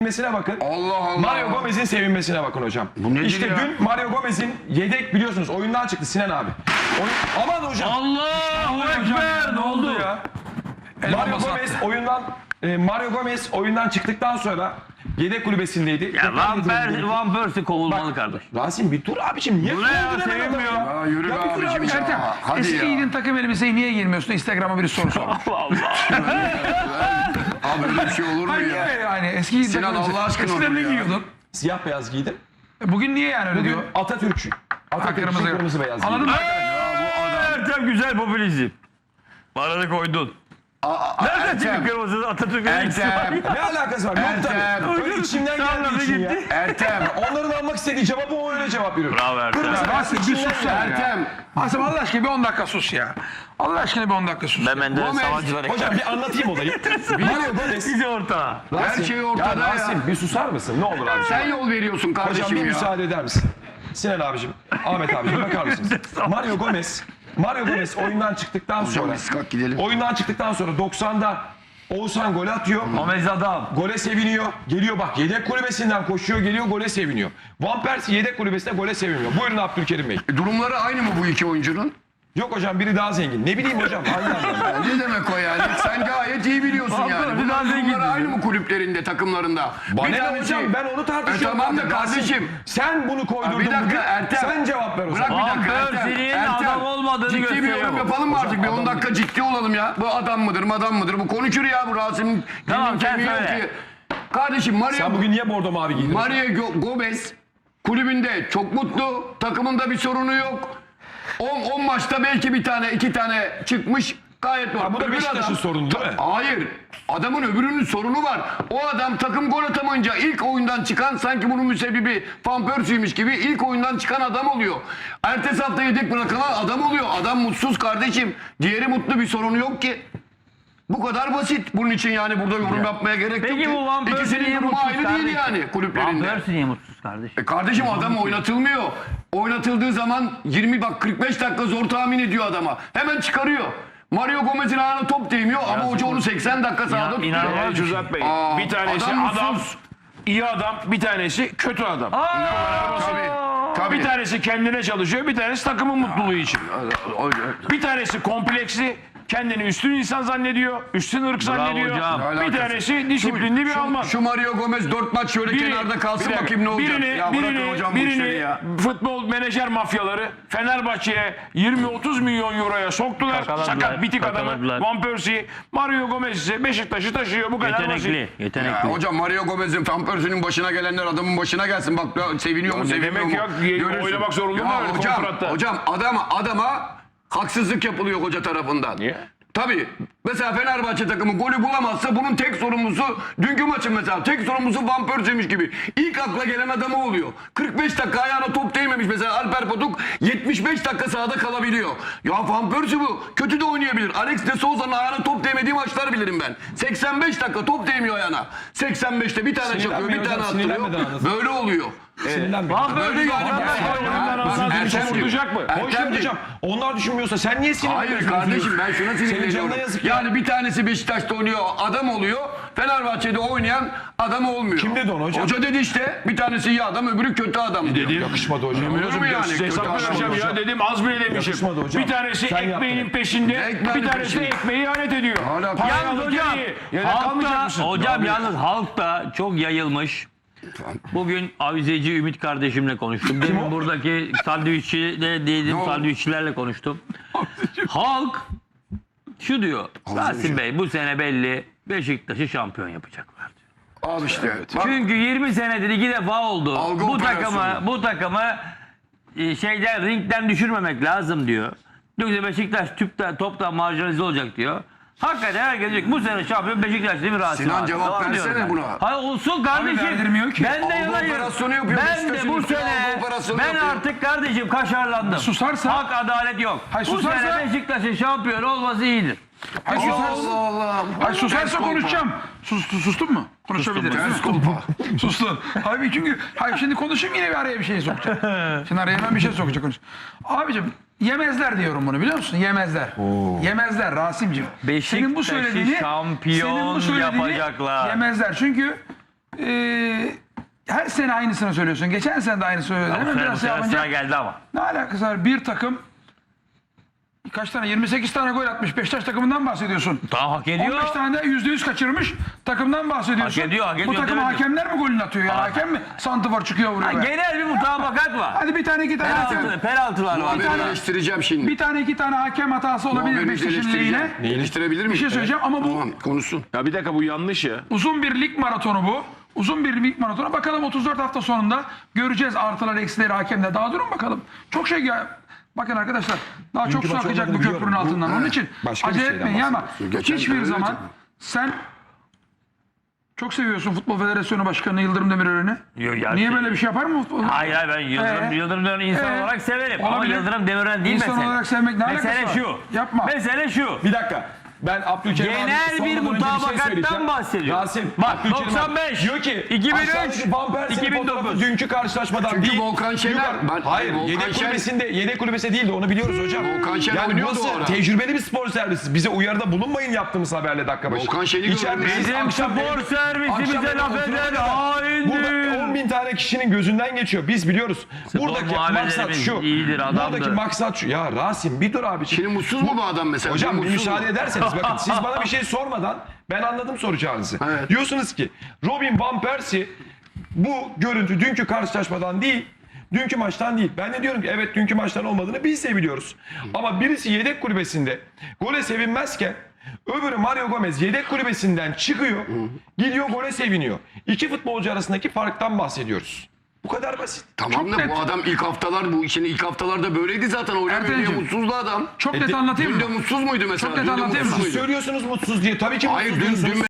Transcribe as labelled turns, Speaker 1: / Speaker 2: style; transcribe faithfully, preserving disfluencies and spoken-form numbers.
Speaker 1: sevinmesine bakın.
Speaker 2: Allah Allah.
Speaker 1: Mario Gomez'in sevinmesine bakın hocam.
Speaker 2: Bu nedir
Speaker 1: işte
Speaker 2: ya?
Speaker 1: dün Mario Gomez'in yedek biliyorsunuz oyundan çıktı Sinan abi. Oyun... Aman hocam.
Speaker 3: Allahu Ekber. Ne oldu ya?
Speaker 1: Mario Gomez oyundan e, Mario Gomez oyundan çıktıktan sonra yedek kulübesindeydi.
Speaker 3: Ya Van Persie, Van Persie kovulmalı
Speaker 1: Bak,
Speaker 3: kardeş.
Speaker 1: Rasim bir dur abiciğim. Niye
Speaker 3: Bu ne ya,
Speaker 1: kovuldun hemen
Speaker 3: sevinmiyor.
Speaker 1: adamı
Speaker 2: Ya yürü be
Speaker 1: bir dur
Speaker 2: abicim
Speaker 1: abiciim.
Speaker 2: ya. Hadi
Speaker 4: Eski
Speaker 2: ya.
Speaker 4: giydin takım elbiseyi niye giymiyorsun? Instagram'a biri soru sormuş.
Speaker 2: Abi öyle bir şey olur mu
Speaker 4: Hayır
Speaker 2: ya?
Speaker 4: niye yani eski giydin
Speaker 2: Sinan,
Speaker 4: takım elbise.
Speaker 2: Allah aşkına
Speaker 4: Eskiden
Speaker 2: olur
Speaker 4: ne
Speaker 2: ya.
Speaker 4: giyiyordun?
Speaker 1: Siyah beyaz giydim.
Speaker 4: E, Bugün niye yani öyle
Speaker 1: Bugün
Speaker 4: diyor?
Speaker 1: Atatürkçü. Atatürkçü
Speaker 4: Kırmızı.
Speaker 1: kırmızı, beyaz
Speaker 4: Anladın
Speaker 1: giydim.
Speaker 4: mı?
Speaker 3: Ertem güzel popülizm. Paranı koydun.
Speaker 2: Aa,
Speaker 3: Nereden
Speaker 2: Ertem,
Speaker 3: çıktı kırmızı Atatürk'ün ilgisi var?
Speaker 2: Ertem,
Speaker 1: Ne alakası var? Yok
Speaker 2: Ertem.
Speaker 1: tabii. Öyle içimden
Speaker 3: Salladı
Speaker 1: geldiği için ya.
Speaker 3: gitti.
Speaker 2: Ertem,
Speaker 1: Onların almak istediği cevabı o öyle cevap veriyor.
Speaker 3: Bravo Ertem.
Speaker 1: Kırmızı beyaz
Speaker 4: Rasim bir
Speaker 1: içimden
Speaker 4: sus
Speaker 1: geldi.
Speaker 4: ya.
Speaker 2: Ertem.
Speaker 4: Asım Allah aşkına bir on dakika sus ya. Allah aşkına bir on dakika sus.
Speaker 3: Ben Menderes
Speaker 2: Gomez.
Speaker 3: Savancılar
Speaker 1: Hocam bir anlatayım olayı. Mario Gomez.
Speaker 3: Size ortağı.
Speaker 2: Her şey ortada ya.
Speaker 1: Rasim bir susar mısın? Ne olur abi.
Speaker 2: Sen yol veriyorsun
Speaker 1: Hocam
Speaker 2: kardeşim
Speaker 1: bir
Speaker 2: ya.
Speaker 1: müsaade eder misin? Sinan abicim, Ahmet abicim bakar mısınız? Mario Gomez, Mario Gomez oyundan çıktıktan
Speaker 2: Hocam
Speaker 1: sonra,
Speaker 2: biz kalk gidelim.
Speaker 1: oyundan çıktıktan sonra doksanda Oğuzhan gol atıyor.
Speaker 3: Gomez adam.
Speaker 1: Gole seviniyor. Geliyor bak yedek kulübesinden koşuyor geliyor gole seviniyor. Van Persie yedek kulübesinde gole seviniyor. Buyurun Abdülkerim Bey.
Speaker 2: E, Durumları aynı mı bu iki oyuncunun?
Speaker 1: Yok hocam biri daha zengin. Ne bileyim hocam aynı anlamda.
Speaker 2: Ya ne demek o yani? Sen gayet iyi biliyorsun yani.
Speaker 3: Vallahi
Speaker 2: Bunların
Speaker 3: daha zengin
Speaker 2: durumları
Speaker 3: diyor.
Speaker 2: aynı mı kulüplerinde, takımlarında?
Speaker 1: Bana
Speaker 2: Bir
Speaker 1: ne
Speaker 2: tanesi-
Speaker 1: hocam ben onu tartışıyorum.
Speaker 2: E tamam da
Speaker 1: zaten. Rasim,
Speaker 2: kardeşim.
Speaker 1: sen bunu koydurdun
Speaker 2: Bir dakika
Speaker 1: bugün.
Speaker 2: Ertem.
Speaker 1: Sen cevap ver o
Speaker 2: Bırak
Speaker 1: zaman.
Speaker 2: bir
Speaker 3: Van
Speaker 2: dakika Ertem.
Speaker 3: Persie'nin
Speaker 2: Ertem.
Speaker 3: adam olmadığını
Speaker 2: Ciddi bir
Speaker 3: gösteriyor
Speaker 2: yorum
Speaker 3: bu.
Speaker 2: yapalım mı artık? Bir
Speaker 1: adam
Speaker 2: on dakika ciddi olalım ya. Bu adam mıdır, madam mıdır? Bu konuşur ya bu Rasim.
Speaker 3: Tamam,
Speaker 2: Dilin
Speaker 3: sen
Speaker 2: kemiği yok
Speaker 3: söyle.
Speaker 2: ki. Kardeşim Mario,
Speaker 1: Sen bugün niye bordo mavi giydin?
Speaker 2: Mario Go- Gomez kulübünde çok mutlu. Takımında bir sorunu yok. on maçta belki bir tane, iki tane çıkmış. Gayet normal.
Speaker 1: Ha, bu da
Speaker 2: Öbür
Speaker 1: Beşiktaş'ın
Speaker 2: adam-
Speaker 1: sorunu değil mi?
Speaker 2: Hayır. Adamın öbürünün sorunu var. O adam takım gol atamayınca ilk oyundan çıkan sanki bunun müsebbibi Van Persie'ymiş gibi ilk oyundan çıkan adam oluyor. Ertesi hafta yedek bırakılan adam oluyor. Adam mutsuz kardeşim. Diğeri mutlu, bir sorunu yok ki. Bu kadar basit. Bunun için yani burada yorum yapmaya gerek yok
Speaker 3: Peki
Speaker 2: ki.
Speaker 3: bu Van Persie
Speaker 2: İkisinin
Speaker 3: niye
Speaker 2: durumu
Speaker 3: mutsuz
Speaker 2: aynı
Speaker 3: kardeşim?
Speaker 2: değil yani
Speaker 3: Van
Speaker 2: kulüplerinde.
Speaker 3: Persie niye mutsuz kardeş?
Speaker 2: E kardeşim adam oynatılmıyor. Oynatıldığı zaman yirmi bak kırk beş dakika zor tahmin ediyor adama. Hemen çıkarıyor. Mario Gomez'in ayağına top değmiyor ama hoca onu seksen dakika sahada tutuyor.
Speaker 3: inanılmaz
Speaker 5: Yani
Speaker 3: bir şey.
Speaker 5: Cüzdat Bey,
Speaker 2: Aa,
Speaker 5: bir tanesi
Speaker 2: adam
Speaker 5: adam,
Speaker 2: mutsuz.
Speaker 5: iyi adam, bir tanesi kötü adam.
Speaker 2: Tabii. Tabii.
Speaker 5: Bir tanesi kendine çalışıyor, bir tanesi takımın mutluluğu için. Bir tanesi kompleksli, kendini üstün insan zannediyor, üstün ırk zannediyor.
Speaker 3: hocam.
Speaker 2: Ne
Speaker 5: Bir
Speaker 2: alakası?
Speaker 5: tanesi disiplinli bir
Speaker 2: Şu-
Speaker 5: Alman.
Speaker 2: Şu Mario Gomez dört maç şöyle
Speaker 5: Biri-
Speaker 2: kenarda kalsın
Speaker 5: bir dakika,
Speaker 2: bakayım ne olacak.
Speaker 5: Birini,
Speaker 2: ya bırakın
Speaker 5: birini,
Speaker 2: hocam bu işleri
Speaker 5: birini
Speaker 2: ya.
Speaker 5: futbol menajer mafyaları Fenerbahçe'ye yirmi otuz milyon euroya soktular.
Speaker 3: Kakaladılar,
Speaker 5: Sakat bitik adamı
Speaker 3: kakaladılar.
Speaker 5: Van Persie. Mario Gomez ise Beşiktaş'ı taşıyor. Bu kadar
Speaker 3: Yetenekli,
Speaker 5: basit.
Speaker 3: yetenekli.
Speaker 2: Ya hocam Mario Gomez'in Van Persie'nin başına gelenler adamın başına gelsin. Bak ya, seviniyor mu
Speaker 5: ne
Speaker 2: sevinmiyor
Speaker 5: demek
Speaker 2: mu?
Speaker 5: ya?
Speaker 2: Görürsün.
Speaker 5: Oynamak zorunda mı öyle
Speaker 2: hocam,
Speaker 5: kontratta?
Speaker 2: hocam adama, adama haksızlık yapılıyor hoca tarafından.
Speaker 5: Niye?
Speaker 2: Tabii. Mesela Fenerbahçe takımı golü bulamazsa bunun tek sorumlusu dünkü maçın mesela tek sorumlusu Van Persie'miş gibi. İlk akla gelen adamı oluyor. kırk beş dakika ayağına top değmemiş mesela Alper Potuk yetmiş beş dakika sahada kalabiliyor. Ya Van Persie bu. Kötü de oynayabilir. Alex de Souza'nın ayağına top değmediği maçlar bilirim ben. seksen beş dakika top değmiyor ayağına. seksen beşte bir tane çakıyor, bir
Speaker 1: Sinirlenmeyin
Speaker 2: tane
Speaker 1: hocam, sinirlenmeden
Speaker 2: attırıyor.
Speaker 1: anlatın.
Speaker 2: Böyle oluyor.
Speaker 1: Sinirlenme.
Speaker 3: Van
Speaker 2: Böyle
Speaker 3: Persie
Speaker 2: yani.
Speaker 3: adam-
Speaker 2: Ya,
Speaker 5: Bak,
Speaker 2: bak,
Speaker 5: Ertem
Speaker 2: Ertem-
Speaker 5: vuracak mı?
Speaker 1: Boş ver
Speaker 2: Ertem-
Speaker 1: hocam. Onlar düşünmüyorsa sen niye sinirleniyorsun?
Speaker 2: Hayır kardeşim ben şuna
Speaker 1: Senin
Speaker 2: sinirleniyorum.
Speaker 1: canına yazık ya.
Speaker 2: Yani bir tanesi Beşiktaş'ta oynuyor adam oluyor. Fenerbahçe'de oynayan adam olmuyor.
Speaker 1: Kim dedi onu hocam?
Speaker 2: Hoca dedi işte bir tanesi iyi adam öbürü kötü adam diyor.
Speaker 5: Dedim.
Speaker 1: Yakışmadı hocam.
Speaker 2: Olur mu yani?
Speaker 5: Size
Speaker 2: Kötü
Speaker 5: hesap
Speaker 2: adam
Speaker 5: vereceğim
Speaker 2: hocam.
Speaker 5: ya dedim az bile demişim.
Speaker 1: Yakışmadı hocam.
Speaker 5: Bir tanesi
Speaker 1: Sen
Speaker 5: ekmeğinin
Speaker 1: yaptın.
Speaker 5: peşinde,
Speaker 2: Ekmeğinin
Speaker 5: bir tanesi de
Speaker 2: peşinde.
Speaker 5: ekmeği ihanet ediyor.
Speaker 2: Hala-
Speaker 5: Parayı
Speaker 3: Yalnız
Speaker 5: alıp
Speaker 3: hocam,
Speaker 5: geriye. Yedek kalmayacak
Speaker 3: halkta,
Speaker 5: mısın?
Speaker 3: hocam yalnız halkta çok yayılmış. Bugün avizeci Ümit kardeşimle konuştum. Demin buradaki sandviççiyle değilim
Speaker 2: oldu?
Speaker 3: sandviççilerle konuştum. Halk şu diyor. Rasim Bey bu sene belli Beşiktaş'ı şampiyon yapacaklar diyor.
Speaker 2: Al işte. Bak,
Speaker 3: Çünkü yirmi senedir iki defa oldu.
Speaker 2: Algı
Speaker 3: bu
Speaker 2: operasyonu.
Speaker 3: takımı bu takımı e, şeyden ringden düşürmemek lazım diyor. Yoksa Beşiktaş tüpten toptan marjinalize olacak diyor. Hakikaten herkes diyor ki bu sene şampiyon Beşiktaş değil mi Rasim
Speaker 2: Sinan
Speaker 3: abi?
Speaker 2: cevap
Speaker 3: Tamam
Speaker 2: versene
Speaker 3: diyorum ben.
Speaker 2: buna.
Speaker 3: Hayır olsun kardeşim.
Speaker 4: verdirmiyor ki.
Speaker 3: Ben de
Speaker 2: Algı
Speaker 3: yanayım.
Speaker 2: operasyonu yapıyor.
Speaker 3: Ben de
Speaker 2: Beşiktaş'ın
Speaker 3: bu
Speaker 2: üstüne
Speaker 3: sene
Speaker 2: algı operasyonu
Speaker 3: ben
Speaker 2: yapıyor.
Speaker 3: artık kardeşim kaşarlandım.
Speaker 4: Susarsa-
Speaker 3: Hak adalet yok.
Speaker 4: Hayır,
Speaker 3: bu
Speaker 4: susarsa-
Speaker 3: sene Beşiktaş'ın şampiyon olması iyidir.
Speaker 4: Hayır, susarsa,
Speaker 2: Allah Allah.
Speaker 4: hayır, susarsa konuşacağım. Sus, sus- sustun mu? Konuşabiliriz.
Speaker 2: Ters
Speaker 4: değil mi?
Speaker 2: kolpa.
Speaker 4: Sustun. Hayır çünkü hayır şimdi konuşayım yine bir araya bir şey sokacak. Şimdi araya hemen bir şey sokacak konuş. Abicim yemezler diyorum bunu biliyor musun? Yemezler. Yemezler Rasim'cim. Senin bu
Speaker 3: Beşiktaş'ı
Speaker 4: söylediğini
Speaker 3: şampiyon
Speaker 4: senin bu söylediğini
Speaker 3: yapacaklar.
Speaker 4: Yemezler çünkü Ee, her sene aynısını söylüyorsun. Geçen sene de aynısını söyledin.
Speaker 3: Bu
Speaker 4: Hemen
Speaker 3: sene, bu
Speaker 4: biraz şey
Speaker 3: sene
Speaker 4: yapınca
Speaker 3: sıra geldi ama.
Speaker 4: ne alakası var? Bir takım kaç tane? yirmi sekiz tane gol atmış. Beşiktaş takımından bahsediyorsun.
Speaker 3: Tamam, hak ediyor.
Speaker 4: on beş tane de yüzde yüz kaçırmış takımdan bahsediyorsun.
Speaker 3: Hak ediyor, hak ediyor,
Speaker 4: Bu takım
Speaker 3: demedim.
Speaker 4: hakemler mi golünü atıyor? Yani hakem mi santifor çıkıyor vuruyor?
Speaker 3: Ha,
Speaker 4: be?
Speaker 3: genel bir mutabakat var.
Speaker 4: Hadi bir tane iki tane hakem.
Speaker 3: Penaltı, penaltılar var.
Speaker 2: Ben
Speaker 4: tane-
Speaker 2: eleştireceğim şimdi.
Speaker 4: Bir tane iki tane hakem hatası olabilir
Speaker 2: Muhabirimizi
Speaker 4: Beşiktaş'ın lehine.
Speaker 2: eleştireceğim. Eleştirebilir miyim?
Speaker 4: Bir şey söyleyeceğim ama bu
Speaker 2: Tamam, konuşsun.
Speaker 5: Ya bir dakika bu yanlış ya.
Speaker 4: uzun bir lig maratonu bu. Uzun bir lig maratonu. Bakalım otuz dört hafta sonunda göreceğiz artılar eksileri hakemle. Daha durun bakalım. Çok şey ya. Bakın arkadaşlar daha çok su
Speaker 1: maç
Speaker 4: akacak bu
Speaker 1: olmadığını
Speaker 4: köprünün
Speaker 1: biliyorum. Bu-
Speaker 4: altından. Onun için
Speaker 1: Başka bir
Speaker 4: acele
Speaker 1: şeyden
Speaker 4: etmeyin ya ama
Speaker 2: bahsediyorsun. Geçen
Speaker 4: hiçbir
Speaker 2: sene
Speaker 4: zaman
Speaker 2: öyle
Speaker 4: sen çok seviyorsun Futbol Federasyonu Başkanı Yıldırım Demirören'i.
Speaker 3: Yok ya,
Speaker 4: Niye
Speaker 3: şey-
Speaker 4: böyle bir şey yapar mı futbol?
Speaker 3: Hayır hayır ben Yıldırım,
Speaker 4: Ee?
Speaker 3: Yıldırım Demirören'i insan
Speaker 4: Ee?
Speaker 3: olarak severim. Ama
Speaker 4: Olabilir.
Speaker 3: Yıldırım Demirören değil
Speaker 4: İnsan
Speaker 3: mesele.
Speaker 4: olarak sevmek ne alakası
Speaker 3: Mesele
Speaker 4: var?
Speaker 3: şu.
Speaker 4: Yapma.
Speaker 3: Mesele şu.
Speaker 1: Bir dakika. Ben Abdülkerim
Speaker 3: Genel
Speaker 1: abi
Speaker 3: bir
Speaker 1: sormadan önce
Speaker 3: mutabakattan
Speaker 1: söyleyeceğim.
Speaker 3: bahsediyor.
Speaker 1: Rasim,
Speaker 3: Bak,
Speaker 1: Abdülkerim abi
Speaker 3: doksan beş,
Speaker 1: diyor ki
Speaker 3: iki bin üç,
Speaker 1: aşağıdaki Van Persie'nin
Speaker 3: iki bin dokuz.
Speaker 1: fotoğrafı dünkü karşılaşmadan
Speaker 2: Çünkü
Speaker 1: değil.
Speaker 2: Volkan Şener-
Speaker 1: Yukarı-
Speaker 2: ben-
Speaker 1: hayır,
Speaker 2: Volkan
Speaker 1: yedek
Speaker 2: Şener-
Speaker 1: kulübesinde yedek kulübesi değildi onu biliyoruz hocam.
Speaker 2: Volkan Şener
Speaker 1: yani
Speaker 2: oynuyordu
Speaker 1: burası
Speaker 2: o ara.
Speaker 1: tecrübeli bir spor servisi. Bize uyarıda bulunmayın yaptığımız haberle dakika başı.
Speaker 2: Volkan Şen'i
Speaker 1: İçeride
Speaker 2: gördüm.
Speaker 1: siz
Speaker 3: Bizim
Speaker 1: akşam
Speaker 3: spor
Speaker 1: evde-
Speaker 3: servisi
Speaker 1: akşam
Speaker 3: bize
Speaker 1: evde
Speaker 3: laf
Speaker 1: oturana
Speaker 3: eder,
Speaker 1: kadar
Speaker 3: haindir.
Speaker 1: Burada on bin tane kişinin gözünden geçiyor. Biz biliyoruz. Buradaki maksat
Speaker 3: muhaberlerimiz
Speaker 1: şu.
Speaker 3: iyidir, adamdır.
Speaker 1: Buradaki maksat şu. Ya Rasim bir dur abi.
Speaker 2: Şimdi mutsuz mu bu adam mesela?
Speaker 1: Hocam bir
Speaker 2: mutsuz
Speaker 1: müsaade
Speaker 2: mu?
Speaker 1: ederseniz bakın siz bana bir şey sormadan ben anladım soracağınızı.
Speaker 2: Evet.
Speaker 1: Diyorsunuz ki Robin Van Persie bu görüntü dünkü karşılaşmadan değil, dünkü maçtan değil. Ben de diyorum ki evet dünkü maçtan olmadığını biz de biliyoruz. Ama birisi yedek kulübesinde gole sevinmezken öbürü Mario Gomez yedek kulübesinden çıkıyor, gidiyor gole seviniyor. İki futbolcu arasındaki farktan bahsediyoruz. Bu kadar basit.
Speaker 2: Tamam
Speaker 4: Çok
Speaker 2: da
Speaker 4: net.
Speaker 2: bu adam ilk haftalar bu işin ilk haftalarda böyleydi zaten. Oynamıyor diye
Speaker 4: Ertemciğim,
Speaker 2: mutsuzdu adam.
Speaker 4: Çok
Speaker 1: E,
Speaker 4: net
Speaker 1: de-
Speaker 4: anlatayım
Speaker 2: Dün de
Speaker 4: mı?
Speaker 2: mutsuz muydu mesela?
Speaker 4: Çok net
Speaker 2: Dün de
Speaker 4: anlatayım mı?
Speaker 2: mutsuz
Speaker 1: Siz
Speaker 2: muydu?
Speaker 1: söylüyorsunuz mutsuz diye. Tabii ki
Speaker 2: Hayır
Speaker 1: mutsuz
Speaker 2: dün,
Speaker 1: diyorsunuz.
Speaker 2: dün